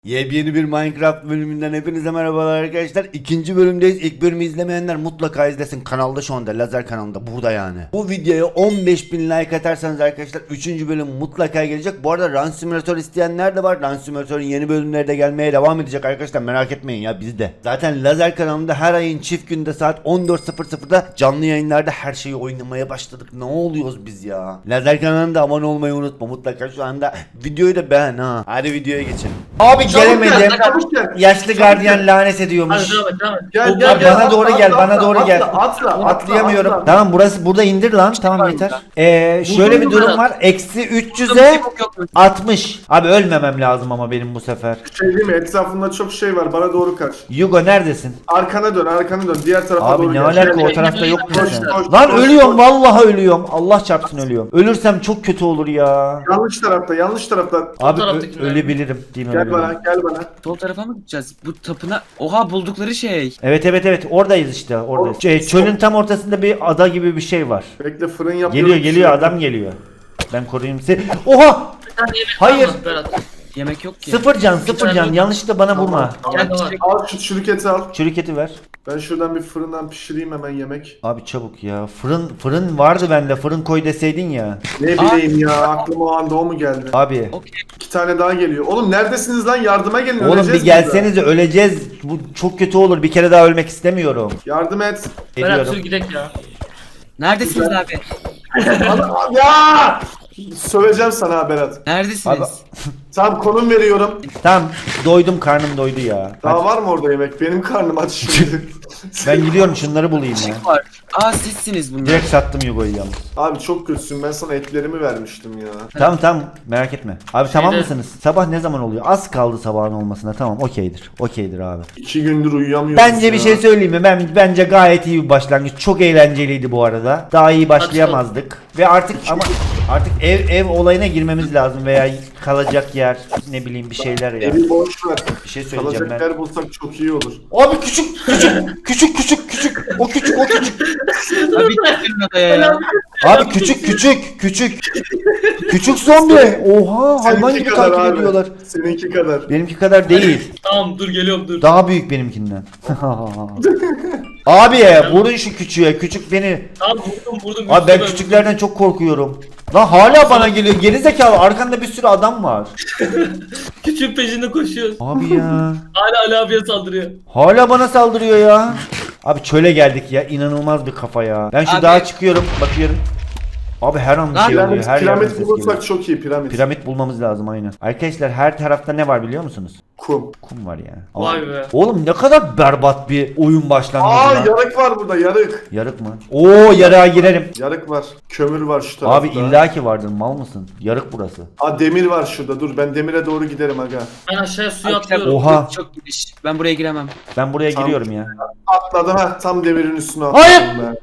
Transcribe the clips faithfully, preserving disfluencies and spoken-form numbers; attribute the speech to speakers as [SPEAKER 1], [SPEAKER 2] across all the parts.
[SPEAKER 1] Yepyeni bir Minecraft bölümünden hepinize merhabalar arkadaşlar. İkinci bölümdeyiz. İlk bölümü izlemeyenler mutlaka izlesin. Kanalda şu anda, Lazer kanalında, burada yani. Bu videoya on beş bin like atarsanız arkadaşlar üçüncü bölüm mutlaka gelecek. Bu arada Run Simulator isteyenler de var. Run Simulator'un yeni bölümleri de gelmeye devam edecek arkadaşlar, merak etmeyin ya, bizde. Zaten Lazer kanalında her ayın çift günde saat on dört sıfır sıfırda canlı yayınlarda her şeyi oynamaya başladık. Ne oluyoruz biz ya? Lazer kanalında abone olmayı unutma mutlaka, şu anda videoyu da beğen ha. Hadi videoya geçelim. Abi gelemedim. Yaşlı gardiyan lanet ediyormuş.
[SPEAKER 2] Hadi devam et, devam et.
[SPEAKER 3] Gel
[SPEAKER 1] O-
[SPEAKER 3] gel gel.
[SPEAKER 1] bana doğru
[SPEAKER 3] atla,
[SPEAKER 1] gel,
[SPEAKER 3] atla,
[SPEAKER 1] bana
[SPEAKER 3] atla,
[SPEAKER 1] doğru
[SPEAKER 3] atla,
[SPEAKER 1] gel.
[SPEAKER 3] Atla, atla,
[SPEAKER 1] Atlayamıyorum.
[SPEAKER 3] atla.
[SPEAKER 1] Tamam, burası burada indir lan. Tamam yeter. Ee, şöyle bir
[SPEAKER 2] mu
[SPEAKER 1] durum
[SPEAKER 2] Berat?
[SPEAKER 1] var. Eksi üç yüze altmış. Abi ölmemem lazım ama benim bu sefer.
[SPEAKER 3] Şey değil mi? Etrafında çok şey var. Bana doğru kaç.
[SPEAKER 1] Yugo neredesin?
[SPEAKER 3] Arkana dön, arkana dön. Diğer tarafa
[SPEAKER 1] Abi
[SPEAKER 3] doğru
[SPEAKER 1] ne
[SPEAKER 3] gel.
[SPEAKER 1] alaka,
[SPEAKER 3] Gel,
[SPEAKER 1] o
[SPEAKER 3] gel.
[SPEAKER 1] tarafta yok mu
[SPEAKER 3] Koş,
[SPEAKER 1] sen?
[SPEAKER 3] koş,
[SPEAKER 1] Lan
[SPEAKER 3] koş,
[SPEAKER 1] ölüyorum,
[SPEAKER 3] koş.
[SPEAKER 1] vallahi ölüyorum. Allah çarpsın ölüyorum. Ölürsem çok kötü olur ya.
[SPEAKER 3] Yanlış tarafta, yanlış tarafta.
[SPEAKER 1] Abi ö-
[SPEAKER 2] taraftakiler.
[SPEAKER 1] ölebilirim. Değil mi?
[SPEAKER 3] Gel
[SPEAKER 1] Ölebilirim.
[SPEAKER 3] bana, gel bana.
[SPEAKER 4] Sol tarafa mı gideceğiz? Bu tapına... Oha buldukları şey.
[SPEAKER 1] Evet evet evet, oradayız işte, oradayız.
[SPEAKER 3] O-
[SPEAKER 1] Şey, çölün tam ortasında bir ada gibi bir şey var.
[SPEAKER 3] Bekle, fırın yapıyorum.
[SPEAKER 1] Geliyor geliyor, adam geliyor. Ben koruyayım seni. Oha!
[SPEAKER 2] Bir tane yemek
[SPEAKER 1] Hayır.
[SPEAKER 2] var mı Berat?
[SPEAKER 4] Yemek yok ki.
[SPEAKER 1] Sıfır can, sıfır
[SPEAKER 2] tane
[SPEAKER 1] can.
[SPEAKER 2] yok.
[SPEAKER 1] Yanlışlıkla bana vurma.
[SPEAKER 2] Gel de var.
[SPEAKER 3] Al şu çürüketi al.
[SPEAKER 1] Çürüketi ver.
[SPEAKER 3] Ben şuradan bir fırından pişireyim hemen yemek.
[SPEAKER 1] Abi çabuk ya. Fırın fırın vardı bende. Fırın koy deseydin ya.
[SPEAKER 3] Ne bileyim ya, aklıma o anda o mu geldi?
[SPEAKER 1] Abi.
[SPEAKER 4] Okey.
[SPEAKER 3] İki tane daha geliyor. Oğlum neredesiniz lan? Yardıma gelin.
[SPEAKER 1] Oğlum
[SPEAKER 3] öleceğiz
[SPEAKER 1] bir gelsenize, öleceğiz. Bu çok kötü olur. Bir kere daha ölmek istemiyorum.
[SPEAKER 3] burada. Yardım et.
[SPEAKER 2] Berat sür
[SPEAKER 1] Ediyorum.
[SPEAKER 2] gidek ya.
[SPEAKER 4] Neredesiniz abi?
[SPEAKER 3] Al- ya! Söveceğim sana ha Berat.
[SPEAKER 4] Neredesiniz?
[SPEAKER 1] Abi-
[SPEAKER 3] Tamam, konum veriyorum.
[SPEAKER 1] Tamam, doydum, karnım doydu ya.
[SPEAKER 3] Daha
[SPEAKER 1] Hadi.
[SPEAKER 3] var mı orada yemek? Benim karnım aç şimdi.
[SPEAKER 1] Ben gidiyorum, şunları bulayım ya.
[SPEAKER 4] Var. Aa sizsiniz bunlar.
[SPEAKER 1] Direkt sattım Yugo'yu yalnız.
[SPEAKER 3] Abi çok kötüsün. Ben sana etlerimi vermiştim ya.
[SPEAKER 1] Tamam tamam, merak etme. Abi tamam
[SPEAKER 2] Şeyde-
[SPEAKER 1] mısınız? Sabah ne zaman oluyor? Az kaldı sabahın olmasına. Tamam, okeydir. Okeydir abi.
[SPEAKER 3] İki gündür uyuyamıyoruz
[SPEAKER 1] Bence
[SPEAKER 3] ya.
[SPEAKER 1] bir şey söyleyeyim mi? Ben bence gayet iyi bir başlangıç. Çok eğlenceliydi bu arada. Daha iyi başlayamazdık. Ve artık ama artık ev ev olayına girmemiz lazım veya kalacak yer, ne bileyim bir şeyler ya.
[SPEAKER 3] Evi boş ver.
[SPEAKER 1] Bir şey söyleyeceğim
[SPEAKER 3] Kalacak
[SPEAKER 1] ben.
[SPEAKER 3] yer bulsak çok iyi olur.
[SPEAKER 1] Abi küçük küçük küçük küçük küçük o küçük o küçük.
[SPEAKER 4] Abi gittin adaya ya.
[SPEAKER 1] Abi küçük küçük küçük. Küçük zombi. Oha, hayvan
[SPEAKER 3] Seninki
[SPEAKER 1] gibi
[SPEAKER 3] kadar
[SPEAKER 1] takip
[SPEAKER 3] abi.
[SPEAKER 1] ediyorlar.
[SPEAKER 3] Seninki kadar.
[SPEAKER 1] Benimki kadar değil.
[SPEAKER 2] Tamam dur geliyorum dur.
[SPEAKER 1] Daha büyük benimkinden. Abi vurun şu küçüğe. Küçük beni.
[SPEAKER 2] Tamam vurdum vurdum.
[SPEAKER 1] Abi ben
[SPEAKER 2] Üstüme
[SPEAKER 1] küçüklerden çok korkuyorum. Lan hala bana geliyor. Gerizekalı, arkanda bir sürü adam var.
[SPEAKER 2] vurdum. Küçüğün peşinde koşuyoruz.
[SPEAKER 1] Abi ya.
[SPEAKER 2] Hala Ali abiye saldırıyor.
[SPEAKER 1] Hala bana saldırıyor ya. Abi çöle geldik ya. İnanılmaz bir kafa ya. Ben şu
[SPEAKER 4] Abi-
[SPEAKER 1] dağa çıkıyorum. Bakıyorum. Abi her an bir şey oluyor.
[SPEAKER 3] Piramit,
[SPEAKER 1] Her yerden
[SPEAKER 3] piramit
[SPEAKER 1] ses
[SPEAKER 3] bulursak
[SPEAKER 1] geliyor.
[SPEAKER 3] çok iyi piramit.
[SPEAKER 1] Piramit bulmamız lazım aynen. Arkadaşlar her tarafta ne var biliyor musunuz?
[SPEAKER 3] Kum.
[SPEAKER 1] Kum var ya.
[SPEAKER 2] Vay be.
[SPEAKER 1] Oğlum ne kadar berbat bir oyun başlangıcı
[SPEAKER 3] Aa,
[SPEAKER 1] lan.
[SPEAKER 3] yarık var burada, yarık.
[SPEAKER 1] Yarık mı? Oo, yarığa girerim.
[SPEAKER 3] Yarık var. Kömür var şu tarafta.
[SPEAKER 1] Abi illaki vardır, mal mısın? Yarık burası.
[SPEAKER 3] Aa, demir var şurada. Dur, ben demire doğru giderim aga.
[SPEAKER 2] Ben aşağıya suya
[SPEAKER 4] Abi,
[SPEAKER 2] atlıyorum.
[SPEAKER 1] Oha.
[SPEAKER 4] Çok giriş. Ben buraya giremem.
[SPEAKER 1] Ben buraya
[SPEAKER 3] Tamam.
[SPEAKER 1] giriyorum ya.
[SPEAKER 3] Atladım ha, tam demirin üstüne atladım.
[SPEAKER 1] Hayır!
[SPEAKER 3] Ben.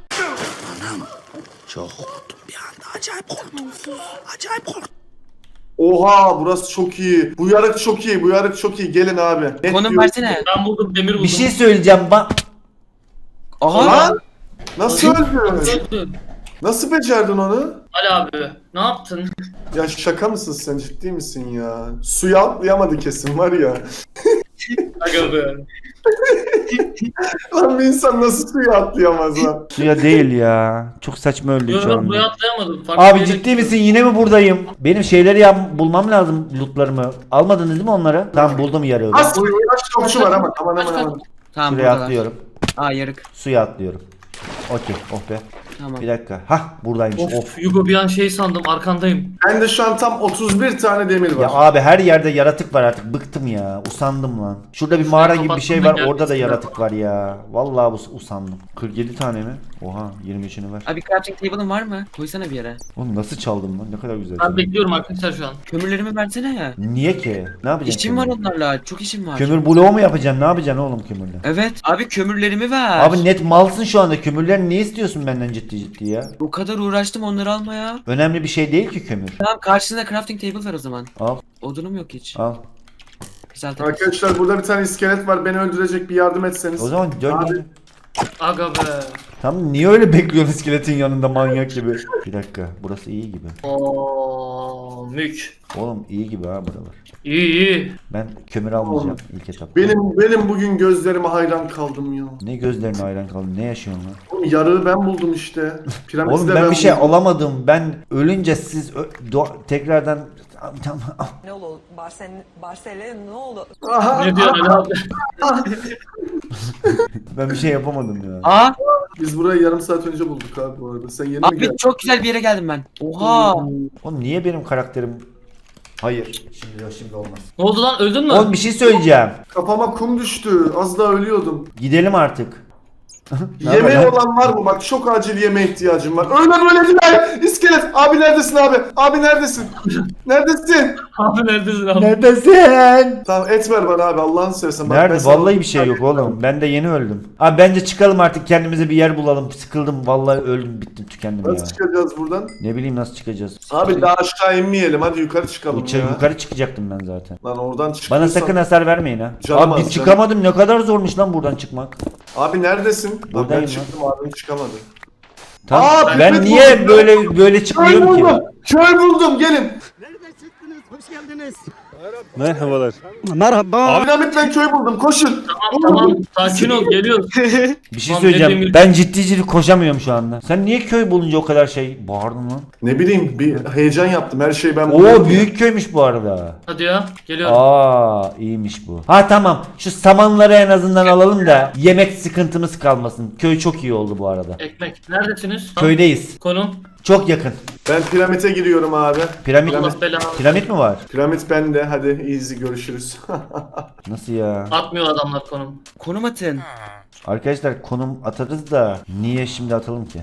[SPEAKER 3] Oha, burası çok iyi. Bu yarık çok iyi. Bu yarık çok iyi. Gelin abi. Net
[SPEAKER 4] Konum
[SPEAKER 3] diyorum.
[SPEAKER 4] versene.
[SPEAKER 2] Ben buldum demir buldum.
[SPEAKER 1] Bir şey söyleyeceğim. Ba
[SPEAKER 4] Aha.
[SPEAKER 3] Lan! Nasıl öldün?
[SPEAKER 2] Öldün.
[SPEAKER 3] Nasıl becerdin onu?
[SPEAKER 2] Ali abi ne yaptın?
[SPEAKER 3] Ya şaka mısın sen, ciddi misin ya? Suya atlayamadı kesin var ya.
[SPEAKER 2] Aga be.
[SPEAKER 3] Lan bir insan nasıl suya atlayamaz lan?
[SPEAKER 1] suya değil ya. Çok saçma öldü
[SPEAKER 2] Yok
[SPEAKER 1] şu
[SPEAKER 2] ben buraya
[SPEAKER 1] anda.
[SPEAKER 2] atlayamadım. Farklı
[SPEAKER 1] Abi
[SPEAKER 2] bir yere
[SPEAKER 1] ciddi misin? Yine mi buradayım? Benim şeyleri yap bulmam lazım, lootlarımı. Almadınız değil mi onları? Tamam, buldum yarığı.
[SPEAKER 3] Az suya çokçu var ama aman aman aman.
[SPEAKER 4] Tamam
[SPEAKER 1] Şuraya
[SPEAKER 4] buradalar.
[SPEAKER 1] atlıyorum.
[SPEAKER 4] Aa yarık.
[SPEAKER 1] Suya atlıyorum. Okey. Oh be.
[SPEAKER 4] Tamam.
[SPEAKER 1] Bir dakika. Hah, buradaymış. Of.
[SPEAKER 2] Of Yugo bir an şey sandım arkandayım.
[SPEAKER 3] Ben de şu an tam otuz bir tane demir
[SPEAKER 1] Ya
[SPEAKER 3] var.
[SPEAKER 1] abi her yerde yaratık var artık. Bıktım ya. Usandım lan. Şurada bir mağara gibi bir şey var.
[SPEAKER 2] kapattım da
[SPEAKER 1] Orada da
[SPEAKER 2] gelmesin.
[SPEAKER 1] yaratık var ya. Vallahi bu usandım. kırk yedi tane mi? Oha, yirmi üçünü ver.
[SPEAKER 4] Abi crafting table'ın var mı? Koysana bir yere.
[SPEAKER 1] Oğlum nasıl çaldım lan? Ne kadar güzel.
[SPEAKER 2] Ben
[SPEAKER 1] çaldım.
[SPEAKER 2] bekliyorum arkadaşlar şu an.
[SPEAKER 4] Kömürlerimi versene ya.
[SPEAKER 1] Niye ki? Ne yapacaksın?
[SPEAKER 4] İşim var
[SPEAKER 1] kömürle?
[SPEAKER 4] onlarla. Çok işim var.
[SPEAKER 1] Kömür bloğu mu yapacaksın? Ne yapacaksın oğlum kömürle?
[SPEAKER 4] Evet. Abi kömürlerimi ver.
[SPEAKER 1] Abi net malsın şu anda. Kömürlerini niye istiyorsun benden ciddi ciddi ya?
[SPEAKER 4] O kadar uğraştım onları almaya.
[SPEAKER 1] Önemli bir şey değil ki kömür.
[SPEAKER 4] Tamam karşısında crafting table ver o zaman.
[SPEAKER 1] Al
[SPEAKER 4] Odunum yok hiç.
[SPEAKER 1] al.
[SPEAKER 4] Güzel tabii.
[SPEAKER 3] Arkadaşlar burada bir tane iskelet var. Beni öldürecek, bir yardım etseniz.
[SPEAKER 1] O zaman dön
[SPEAKER 3] Abi.
[SPEAKER 1] gel.
[SPEAKER 2] Aga be.
[SPEAKER 1] Tamam, niye öyle bekliyorsun iskeletin yanında manyak gibi? Bir dakika, burası iyi gibi.
[SPEAKER 2] Oo, Mük.
[SPEAKER 1] Oğlum iyi gibi ha buralar.
[SPEAKER 2] İyi iyi.
[SPEAKER 1] Ben kömür almayacağım ilk etapta.
[SPEAKER 3] Benim benim bugün gözlerime hayran kaldım ya.
[SPEAKER 1] Ne gözlerine hayran kaldın? Ne yaşıyorsun lan?
[SPEAKER 3] Oğlum yarığı ben buldum işte. Piramidi
[SPEAKER 1] Oğlum
[SPEAKER 3] de
[SPEAKER 1] ben bir şey
[SPEAKER 3] buldum.
[SPEAKER 1] alamadım. Ben ölünce siz ö- do- tekrardan tamam.
[SPEAKER 5] Ne olur Barcelona, Barcelona ne olur?
[SPEAKER 3] Aha,
[SPEAKER 2] Ne diyor Ali abi?
[SPEAKER 1] Ben bir şey yapamadım ya.
[SPEAKER 4] Aa
[SPEAKER 3] biz burayı yarım saat önce bulduk abi bu arada. Sen yeni mi
[SPEAKER 4] abi
[SPEAKER 3] geldin?
[SPEAKER 4] çok güzel bir yere geldim ben. Oha.
[SPEAKER 1] Oğlum niye benim karakterim... Hayır. Şimdi yok, şimdi olmaz.
[SPEAKER 2] Ne oldu lan, öldün mü?
[SPEAKER 1] Oğlum bir şey söyleyeceğim.
[SPEAKER 3] Kafama kum düştü. Az daha ölüyordum.
[SPEAKER 1] Gidelim artık. Ne
[SPEAKER 3] Yemeği
[SPEAKER 1] haber lan?
[SPEAKER 3] olan var mı? Bak çok acil yemeğe ihtiyacım var. Öyle böyle değil. İskelet. Abi neredesin abi? Abi neredesin? Neredesin?
[SPEAKER 2] Abi neredesin abi?
[SPEAKER 1] Neredesin?
[SPEAKER 3] Tamam et ver bana abi Allah'ını seversen. Bak, ben
[SPEAKER 1] Nerede?
[SPEAKER 3] sana-
[SPEAKER 1] Vallahi bir şey yok oğlum. Ben de yeni öldüm. Abi bence çıkalım artık, kendimize bir yer bulalım. Sıkıldım vallahi, öldüm bittim tükendim ya.
[SPEAKER 3] Nasıl çıkacağız buradan?
[SPEAKER 1] Ne bileyim nasıl çıkacağız.
[SPEAKER 3] Abi daha aşağı inmeyelim. Hadi yukarı çıkalım
[SPEAKER 1] Uça,
[SPEAKER 3] ya.
[SPEAKER 1] yukarı çıkacaktım ben zaten.
[SPEAKER 3] Lan oradan çıkıyorsan...
[SPEAKER 1] Bana sakın hasar vermeyin ha.
[SPEAKER 3] Canım
[SPEAKER 1] Abi
[SPEAKER 3] az,
[SPEAKER 1] bir
[SPEAKER 3] canım.
[SPEAKER 1] çıkamadım, ne kadar zormuş lan buradan çıkmak.
[SPEAKER 3] Abi neredesin? Lan ben
[SPEAKER 1] Buradayım
[SPEAKER 3] çıktım abim çıkamadı.
[SPEAKER 1] Tamam.
[SPEAKER 3] Aa,
[SPEAKER 1] ben
[SPEAKER 3] Mehmet
[SPEAKER 1] niye
[SPEAKER 3] buldum.
[SPEAKER 1] böyle böyle
[SPEAKER 3] Köy
[SPEAKER 1] çıkmıyorum ki?
[SPEAKER 3] buldum. Köy buldum gelin.
[SPEAKER 6] Merhabalar.
[SPEAKER 3] Abi Ahmet ben köy buldum koşun.
[SPEAKER 2] Tamam tamam, sakin ol, geliyoruz.
[SPEAKER 1] Bir şey
[SPEAKER 2] Tamam,
[SPEAKER 1] söyleyeceğim.
[SPEAKER 2] dediğim gibi-
[SPEAKER 1] Ben ciddi ciddi koşamıyorum şu anda. Sen niye köy bulunca o kadar şey bağırdın lan?
[SPEAKER 3] Ne bileyim bir heyecan yaptım her şeyi ben buldum.
[SPEAKER 1] Oo büyük köymüş bu arada.
[SPEAKER 2] Hadi ya, geliyorum.
[SPEAKER 1] Aa iyiymiş bu. Ha tamam. Şu samanları en azından alalım da yemek sıkıntımız kalmasın. Köy çok iyi oldu bu arada.
[SPEAKER 2] Ekmek. Neredesiniz?
[SPEAKER 1] Köydeyiz.
[SPEAKER 2] Konum.
[SPEAKER 1] Çok yakın.
[SPEAKER 3] Ben piramite giriyorum abi.
[SPEAKER 1] Piramit
[SPEAKER 2] Allah belanı.
[SPEAKER 1] Piramit mi var?
[SPEAKER 3] Piramit bende hadi easy görüşürüz.
[SPEAKER 1] Nasıl ya?
[SPEAKER 2] Atmıyor adamlar konum.
[SPEAKER 4] Konum atın.
[SPEAKER 1] Arkadaşlar konum atarız da niye şimdi atalım ki?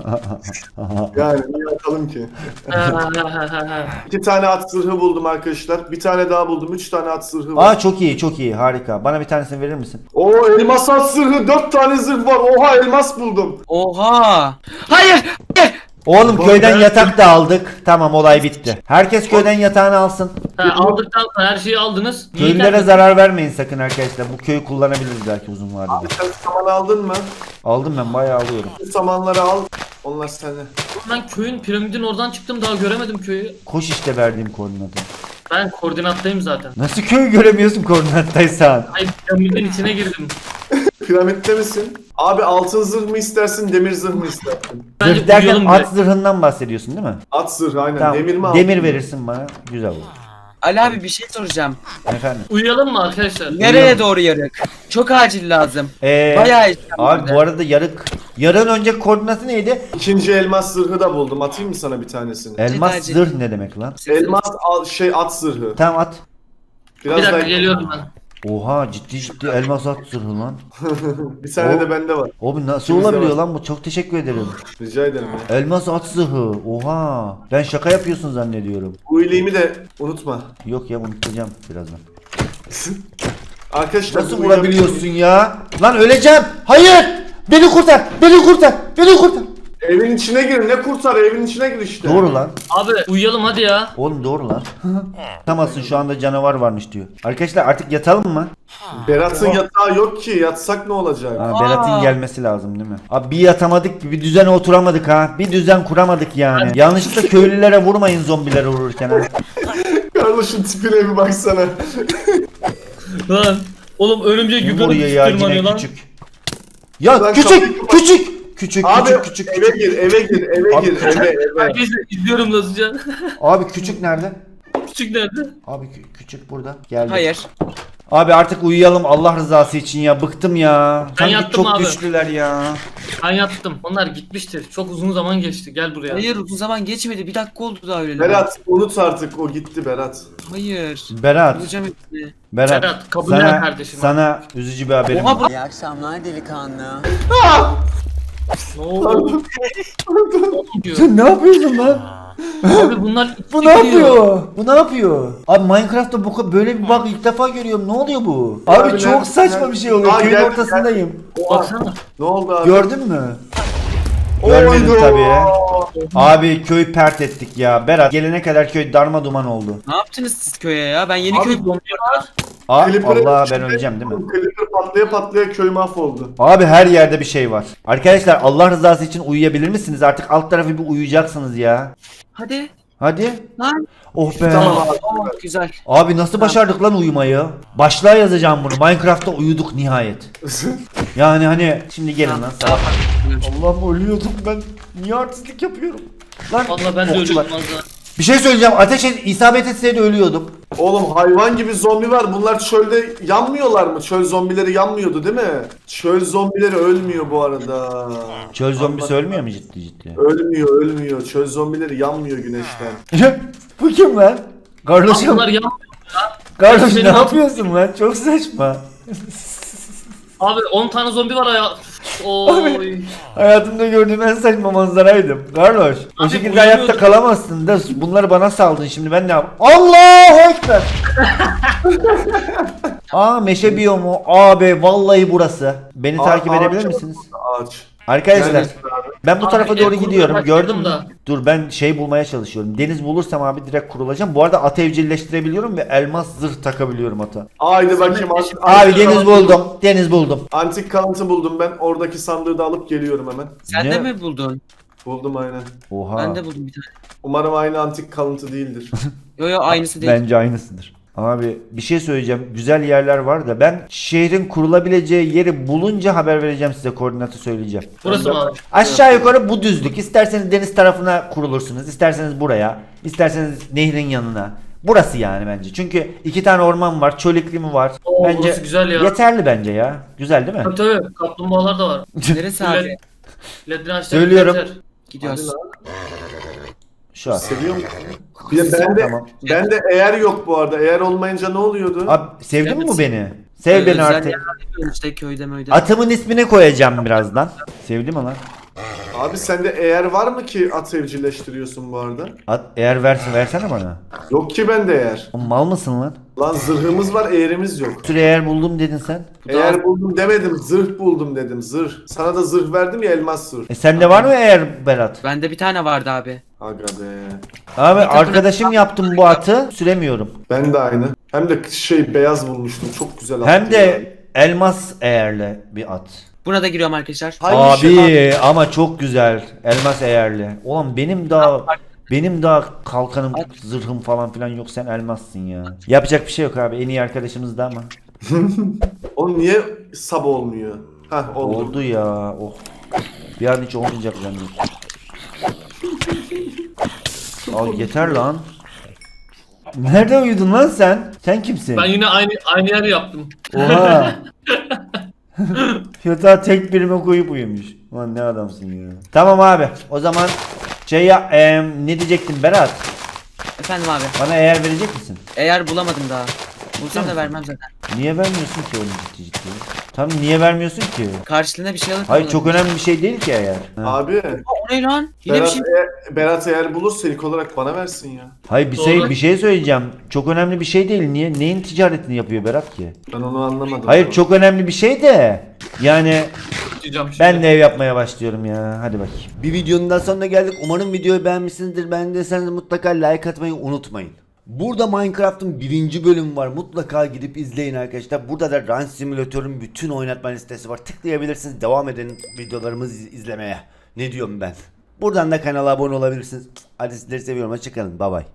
[SPEAKER 3] Yani niye atalım ki?
[SPEAKER 2] Ha, ha, ha, ha, ha.
[SPEAKER 3] İki tane at zırhı buldum arkadaşlar. Bir tane daha buldum. Üç tane at zırhı var.
[SPEAKER 1] Aa çok iyi çok iyi harika. Bana bir tanesini verir misin?
[SPEAKER 3] Oo elmas at zırhı. Dört tane zırh var. Oha elmas buldum.
[SPEAKER 4] Oha. Hayır. Hayır.
[SPEAKER 1] Oğlum
[SPEAKER 3] Bak,
[SPEAKER 1] köyden
[SPEAKER 3] ben-
[SPEAKER 1] yatak da aldık. Tamam olay bitti. Herkes köyden yatağını alsın.
[SPEAKER 2] Ha, aldıktan sonra her şeyi aldınız. Niye
[SPEAKER 1] Köylülere
[SPEAKER 2] geldiniz?
[SPEAKER 1] zarar vermeyin sakın arkadaşlar. Bu köyü kullanabiliriz belki uzun vadede.
[SPEAKER 3] Abi sen saman aldın mı?
[SPEAKER 1] Aldım ben bayağı alıyorum.
[SPEAKER 3] Bu samanları al. Onlar sende.
[SPEAKER 2] Ben köyün piramidin oradan çıktım, daha göremedim köyü.
[SPEAKER 1] Koş işte verdiğim koordinatı.
[SPEAKER 2] Ben koordinattayım zaten.
[SPEAKER 1] Nasıl köyü göremiyorsun koordinattaysan?
[SPEAKER 2] Ay, piramidin içine girdim.
[SPEAKER 3] Piramitte misin? Abi altın zırh mı istersin, demir zırh mı istersin?
[SPEAKER 2] Bence
[SPEAKER 1] Zırh derken
[SPEAKER 2] uyuyalım
[SPEAKER 1] at
[SPEAKER 2] be.
[SPEAKER 1] zırhından bahsediyorsun değil mi?
[SPEAKER 3] At zırhı aynen.
[SPEAKER 1] Tamam.
[SPEAKER 3] Demir mi
[SPEAKER 1] Demir
[SPEAKER 3] altın mı?
[SPEAKER 1] verirsin bana. Güzel olur.
[SPEAKER 4] Ali abi bir şey soracağım.
[SPEAKER 1] Efendim.
[SPEAKER 2] Uyuyalım mı arkadaşlar?
[SPEAKER 4] Nereye doğru yarık? Çok acil lazım.
[SPEAKER 1] Ee,
[SPEAKER 4] Bayağı işlem
[SPEAKER 1] abi
[SPEAKER 4] vardı.
[SPEAKER 1] bu arada yarık. Yarın önce koordinatı neydi?
[SPEAKER 3] İkinci elmas zırhı da buldum. Atayım mı sana bir tanesini?
[SPEAKER 1] Elmas
[SPEAKER 4] acil.
[SPEAKER 1] zırh ne demek lan?
[SPEAKER 3] Elmas al, şey at zırhı.
[SPEAKER 1] Tamam at.
[SPEAKER 3] Biraz
[SPEAKER 2] Bir dakika
[SPEAKER 3] daha-
[SPEAKER 2] geliyorum ben.
[SPEAKER 1] Oha ciddi ciddi elmas at zırhı lan.
[SPEAKER 3] Bir tane
[SPEAKER 1] O-
[SPEAKER 3] de bende var.
[SPEAKER 1] Abi nasıl
[SPEAKER 3] İkimizde
[SPEAKER 1] olabiliyor
[SPEAKER 3] var.
[SPEAKER 1] lan bu? Çok teşekkür ederim.
[SPEAKER 3] Rica ederim ya.
[SPEAKER 1] Elmas at zırhı. Oha. Ben şaka yapıyorsun zannediyorum.
[SPEAKER 3] Bu iyiliğimi de unutma.
[SPEAKER 1] Yok ya unutacağım birazdan.
[SPEAKER 3] Arkadaşlar
[SPEAKER 1] Nasıl
[SPEAKER 3] bu
[SPEAKER 1] vurabiliyorsun ya? Lan öleceğim. Hayır. Beni kurtar. Beni kurtar. Beni kurtar.
[SPEAKER 3] Evin içine gir. Ne kurtar? Evin içine gir işte.
[SPEAKER 1] Doğru lan.
[SPEAKER 2] Abi uyuyalım hadi ya.
[SPEAKER 1] Oğlum doğru lan. Yatamazsın şu anda canavar varmış diyor. Arkadaşlar artık yatalım mı?
[SPEAKER 3] Berat'ın yatağı yok ki. Yatsak ne olacak?
[SPEAKER 1] Ha, Berat'ın gelmesi lazım değil mi? Abi bir yatamadık ki, bir düzene oturamadık ha. Bir düzen kuramadık yani. Yanlışlıkla köylülere vurmayın zombiler vururken ha.
[SPEAKER 3] Kardeşin tipine bir baksana.
[SPEAKER 2] Lan. Oğlum örümcek
[SPEAKER 1] Kim
[SPEAKER 2] yukarı
[SPEAKER 1] vuruyor ya
[SPEAKER 2] tırmanıyor
[SPEAKER 1] yine
[SPEAKER 2] lan.
[SPEAKER 1] küçük. Ya
[SPEAKER 3] Lan
[SPEAKER 1] küçük
[SPEAKER 3] kapıyı-
[SPEAKER 1] küçük. Küçük
[SPEAKER 3] Abi
[SPEAKER 1] küçük küçük
[SPEAKER 3] eve
[SPEAKER 1] küçük.
[SPEAKER 3] gir, eve gir, eve
[SPEAKER 1] Abi,
[SPEAKER 3] gir, eve, eve.
[SPEAKER 2] Herkese izliyorum nasılca.
[SPEAKER 1] Abi küçük nerede?
[SPEAKER 2] Küçük nerede?
[SPEAKER 1] Abi kü- küçük burada. Geldi.
[SPEAKER 4] Hayır.
[SPEAKER 1] Abi artık uyuyalım Allah rızası için ya. Bıktım ya. Sanki
[SPEAKER 2] yattım
[SPEAKER 1] çok
[SPEAKER 2] abi.
[SPEAKER 1] güçlüler ya.
[SPEAKER 2] Ben yattım. Onlar gitmiştir. Çok uzun zaman geçti. Gel buraya.
[SPEAKER 4] Hayır uzun zaman geçmedi. Bir dakika oldu daha öyle.
[SPEAKER 3] Berat unut artık o gitti Berat.
[SPEAKER 4] Hayır.
[SPEAKER 1] Berat.
[SPEAKER 4] Bulacağım hepsini.
[SPEAKER 1] Berat.
[SPEAKER 2] Berat, kabullen
[SPEAKER 1] sana,
[SPEAKER 2] kardeşim.
[SPEAKER 1] Sana üzücü bir haberim
[SPEAKER 4] Oha
[SPEAKER 1] var.
[SPEAKER 4] bu
[SPEAKER 5] İyi akşamlar delikanlı.
[SPEAKER 2] Ne oldu? diyor.
[SPEAKER 1] Sen ne yapıyorsun lan?
[SPEAKER 2] Abi bunlar
[SPEAKER 1] Bu
[SPEAKER 2] iki
[SPEAKER 1] ne
[SPEAKER 2] gidiyor.
[SPEAKER 1] yapıyor? Bu ne yapıyor? Abi Minecraft'ta bu ka- böyle bir bug ilk defa görüyorum. Ne oluyor bu? Abi,
[SPEAKER 3] Abi
[SPEAKER 1] çok
[SPEAKER 3] nerede-
[SPEAKER 1] saçma
[SPEAKER 3] nerede-
[SPEAKER 1] bir şey oluyor.
[SPEAKER 3] Aa,
[SPEAKER 1] Köyün
[SPEAKER 3] geldi,
[SPEAKER 1] ortasındayım.
[SPEAKER 2] Baksana.
[SPEAKER 3] Ne oldu abi?
[SPEAKER 1] Gördün mü? Görmedim
[SPEAKER 3] Oydu.
[SPEAKER 1] tabii. Abi köy pert ettik ya. Berat gelene kadar köy darma duman oldu.
[SPEAKER 4] ne yaptınız siz köye ya? Ben yeni
[SPEAKER 2] Abi
[SPEAKER 4] köy
[SPEAKER 2] donuyorlar.
[SPEAKER 1] Aa,
[SPEAKER 3] Clipper'ın
[SPEAKER 1] Allah ben
[SPEAKER 3] içinde-
[SPEAKER 1] öleceğim değil mi?
[SPEAKER 3] Clipper patlaya patlaya köy mahvoldu.
[SPEAKER 1] Abi her yerde bir şey var. Arkadaşlar Allah rızası için uyuyabilir misiniz? Artık alt tarafı bir uyuyacaksınız ya.
[SPEAKER 4] Hadi.
[SPEAKER 1] Hadi.
[SPEAKER 4] Lan.
[SPEAKER 1] Oh be.
[SPEAKER 3] Tamam abi.
[SPEAKER 4] Oh, güzel.
[SPEAKER 1] Abi nasıl başardık lan uyumayı? Başlığa yazacağım bunu. Minecraft'ta uyuduk nihayet. Yani hani şimdi gelin lan.
[SPEAKER 4] Daha
[SPEAKER 1] Sağ.
[SPEAKER 4] farklı.
[SPEAKER 1] Allah'ım ölüyordum ben. Niye artistlik yapıyorum? Lan
[SPEAKER 2] Valla ben de
[SPEAKER 1] okçular.
[SPEAKER 2] ölüyordum az daha.
[SPEAKER 1] Bir şey söyleyeceğim. Ateş et, isabet etseydi ölüyordum.
[SPEAKER 3] Oğlum hayvan gibi zombi var. Bunlar çölde yanmıyorlar mı? Çöl zombileri yanmıyordu değil mi? Çöl zombileri ölmüyor bu arada.
[SPEAKER 1] Çöl zombisi
[SPEAKER 3] Allah-
[SPEAKER 1] ölmüyor mu ciddi ciddi?
[SPEAKER 3] Ölmüyor, ölmüyor. Çöl zombileri yanmıyor güneşten.
[SPEAKER 1] Bu kim lan? Kardeşim.
[SPEAKER 2] Bunlar yan...
[SPEAKER 1] Kardeş ne
[SPEAKER 2] Benim-
[SPEAKER 1] yapıyorsun lan? Çok saçma.
[SPEAKER 2] Abi on tane zombi var ya. Oy.
[SPEAKER 1] Hayatımda gördüğüm en saçma manzaraydı. Carlos, o
[SPEAKER 2] Abi,
[SPEAKER 1] şekilde
[SPEAKER 2] uyumuyordum.
[SPEAKER 1] hayatta kalamazsın da bunları bana saldın şimdi ben ne yap? Allahu Ekber! Aa meşe biyomu. Abi vallahi burası. Beni
[SPEAKER 3] Aa,
[SPEAKER 1] takip
[SPEAKER 3] ağaç
[SPEAKER 1] edebilir
[SPEAKER 3] yok.
[SPEAKER 1] misiniz?
[SPEAKER 3] Ağaç.
[SPEAKER 1] Arkadaşlar
[SPEAKER 3] Neredesin abi?
[SPEAKER 1] ben bu
[SPEAKER 2] Abi,
[SPEAKER 1] tarafa
[SPEAKER 2] ev
[SPEAKER 1] doğru
[SPEAKER 2] kurmaya
[SPEAKER 1] gidiyorum.
[SPEAKER 2] başladım
[SPEAKER 1] Gördün mü?
[SPEAKER 2] da.
[SPEAKER 1] Dur ben şey bulmaya çalışıyorum. Deniz bulursam abi direkt kurulacağım. Bu arada at evcilleştirebiliyorum ve elmas zırh takabiliyorum ata.
[SPEAKER 3] Haydi bakayım. Antik,
[SPEAKER 1] Abi
[SPEAKER 3] antik
[SPEAKER 1] deniz
[SPEAKER 3] kalıntı-
[SPEAKER 1] buldum. Deniz buldum.
[SPEAKER 3] Antik kalıntı buldum ben. Oradaki sandığı da alıp geliyorum hemen.
[SPEAKER 4] Sen
[SPEAKER 1] Ne?
[SPEAKER 4] de mi buldun?
[SPEAKER 3] Buldum aynen.
[SPEAKER 1] Oha.
[SPEAKER 4] Ben de buldum bir tane.
[SPEAKER 3] Umarım aynı antik kalıntı değildir.
[SPEAKER 4] Yo yo aynısı değil.
[SPEAKER 1] Bence aynısıdır. Abi bir şey söyleyeceğim. Güzel yerler var da ben şehrin kurulabileceği yeri bulunca haber vereceğim size, koordinatı söyleyeceğim.
[SPEAKER 2] Burası mı abi?
[SPEAKER 1] Aşağı yukarı bu düzlük. İsterseniz deniz tarafına kurulursunuz. İsterseniz buraya. İsterseniz nehrin yanına. Burası yani bence. Çünkü iki tane orman var. Çöl iklimi var.
[SPEAKER 2] Oo,
[SPEAKER 1] bence
[SPEAKER 2] burası güzel ya.
[SPEAKER 1] yeterli bence ya. Güzel değil mi?
[SPEAKER 2] Tabii tabii. Kaplumbağalar da var.
[SPEAKER 4] Neresi abi?
[SPEAKER 2] Ledin ağaçları
[SPEAKER 1] Söylüyorum.
[SPEAKER 2] yeter.
[SPEAKER 4] Gidiyoruz.
[SPEAKER 1] Şu an.
[SPEAKER 3] Seviyor musun? Bir de ben de,
[SPEAKER 1] Tamam.
[SPEAKER 3] ben de eğer yok bu arada. Eğer olmayınca ne oluyordu?
[SPEAKER 1] Abi sevdin mi
[SPEAKER 2] Evet.
[SPEAKER 1] bu beni? Sev
[SPEAKER 4] Ee,
[SPEAKER 1] beni
[SPEAKER 4] özel
[SPEAKER 1] artık.
[SPEAKER 4] yerler yapıyorum işte köyde möyde.
[SPEAKER 1] Atımın ismini koyacağım birazdan. Sevdi mi lan?
[SPEAKER 3] Abi sende eğer var mı ki at evcilleştiriyorsun bu arada?
[SPEAKER 1] At, eğer versin versene bana.
[SPEAKER 3] Yok ki bende eğer.
[SPEAKER 1] Oğlum mal mısın lan?
[SPEAKER 3] Lan zırhımız var, eğerimiz yok.
[SPEAKER 1] Bir sürü eğer buldum dedin sen.
[SPEAKER 4] Bu da
[SPEAKER 3] Eğer buldum demedim, zırh buldum dedim, zırh. Sana da zırh verdim ya, elmas zırh.
[SPEAKER 1] E sende var mı eğer Berat?
[SPEAKER 4] Bende bir tane vardı abi.
[SPEAKER 3] Aga be.
[SPEAKER 1] Abi arkadaşım yaptım bu atı, süremiyorum.
[SPEAKER 3] Ben de aynı. Hem de şey beyaz bulmuştum, çok güzel attı
[SPEAKER 1] Hem
[SPEAKER 3] ya.
[SPEAKER 1] de elmas eğerli bir at.
[SPEAKER 4] Buna da giriyorum arkadaşlar.
[SPEAKER 3] Hangi şey-
[SPEAKER 1] Abi ama çok güzel. Elmas eğerli. Ulan benim daha benim daha kalkanım, zırhım falan filan yok, sen elmassın ya. Yapacak bir şey yok abi. En iyi arkadaşımız da ama.
[SPEAKER 3] O niye sab olmuyor? Hah oldu.
[SPEAKER 1] Oldu ya. Oh. Bir an hiç olmayacak zannediyorum. Al yeter lan. Nerede uyudun lan sen? Sen kimsin?
[SPEAKER 2] Ben yine aynı aynı yer yaptım.
[SPEAKER 1] Oha. Yatağa tek birime koyup uyumuş. Ulan ne adamsın ya. Tamam abi. O zaman şey ya, em, ne diyecektin Berat?
[SPEAKER 4] Efendim abi.
[SPEAKER 1] Bana eğer verecek misin?
[SPEAKER 4] Eğer bulamadım daha. Bulsam da vermem zaten.
[SPEAKER 1] Niye vermiyorsun ki oğlum ciddi ciddi? Tam niye vermiyorsun ki?
[SPEAKER 4] Karşılığında bir şey alır.
[SPEAKER 1] Hayır çok önemli bir şey değil ki eğer. Ha.
[SPEAKER 3] Abi,
[SPEAKER 4] O ne lan? Yine bir
[SPEAKER 3] Berat,
[SPEAKER 4] şey.
[SPEAKER 3] eğer, Berat eğer bulursa ilk olarak bana versin ya.
[SPEAKER 1] Hayır bir şey
[SPEAKER 2] Doğru.
[SPEAKER 1] bir şey söyleyeceğim. Çok önemli bir şey değil. Niye neyin ticaretini yapıyor Berat ki?
[SPEAKER 3] Ben onu anlamadım.
[SPEAKER 1] Hayır çok önemli bir şey de. Yani
[SPEAKER 2] Diyeceğim şimdi.
[SPEAKER 1] ben de ev yapmaya başlıyorum ya. Hadi bakayım. Bir videonun daha sonuna geldik. Umarım videoyu beğenmişsinizdir. Beğendiyseniz mutlaka like atmayı unutmayın. Burada Minecraft'ın birinci bölümü var. Mutlaka gidip izleyin arkadaşlar. Burada da Run Simulator'un bütün oynatma listesi var. Tıklayabilirsiniz. Devam edin videolarımızı izlemeye. Ne diyorum ben? Buradan da kanala abone olabilirsiniz. Hadi sizleri seviyorum. Hoşçakalın. Bay bay.